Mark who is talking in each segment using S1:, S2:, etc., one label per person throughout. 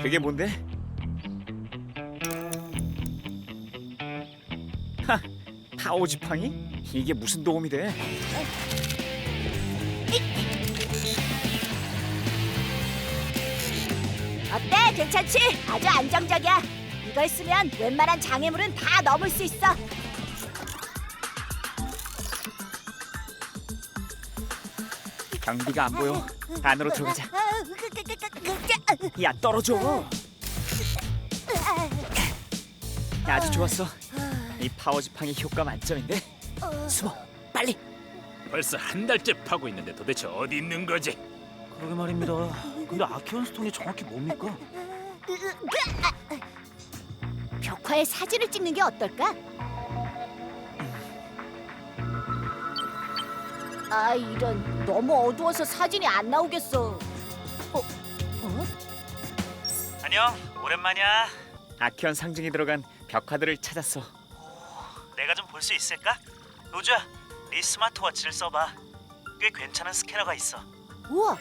S1: 그게 뭔데? 하, 파워 지팡이? 이게 무슨 도움이 돼?
S2: 어때? 괜찮지? 아주 안정적이야. 이걸 쓰면 웬만한 장애물은 다 넘을 수 있어.
S1: 경비가 안 보여. 안으로 들어가자. 야, 떨어져. 아주 좋았어. 이 파워 지팡이 효과 만점인데. 숨어, 빨리.
S3: 벌써 한 달째 파고 있는데 도대체 어디 있는 거지?
S4: 그러게 말입니다. 근데 아키언 스톤이 정확히 뭡니까?
S2: 벽화에 사진을 찍는 게 어떨까? 아, 이런, 너무 어두워서 사진이 안 나오겠어.
S4: 안녕, 오랜만이야.
S1: 아키언 상징이 들어간 벽화들을 찾았어.
S4: 내가 좀 볼 수 있을까? 로즈야, 네 스마트워치를 써봐. 꽤 괜찮은 스캐너가 있어.
S2: 우와!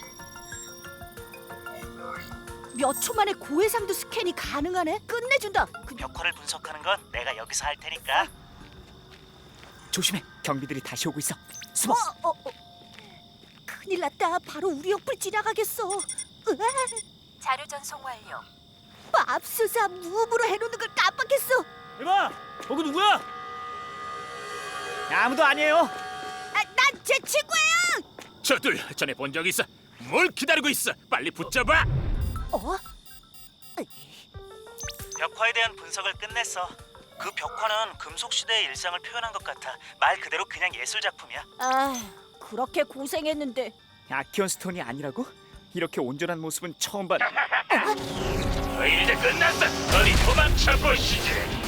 S2: 몇 초 만에 고해상도 스캔이 가능하네? 끝내준다.
S4: 벽화를 분석하는 건 내가 여기서 할 테니까.
S1: 조심해. 경비들이 다시 오고 있어. 숨어.
S2: 큰일 났다. 바로 우리 옆을 지나가겠어.
S5: 자료 전송 완료.
S2: 맙소사, 무음으로 해놓는 걸 깜빡했어.
S4: 이봐, 거기 누구야?
S1: 아무도 아니에요.
S2: 난 제 친구예요.
S3: 저들 전에 본 적 있어. 뭘 기다리고 있어? 빨리 붙잡아.
S4: 벽화에 대한 분석을 끝냈어. 그 벽화는 금속 시대의 일상을 표현한 것 같아. 말 그대로 그냥 예술 작품이야.
S2: 아, 그렇게 고생했는데.
S1: 아키언 스톤이 아니라고? 이렇게 온전한 모습은 처음 봤.
S3: 너 이제 끝났어. 어디 도망쳐 보시지.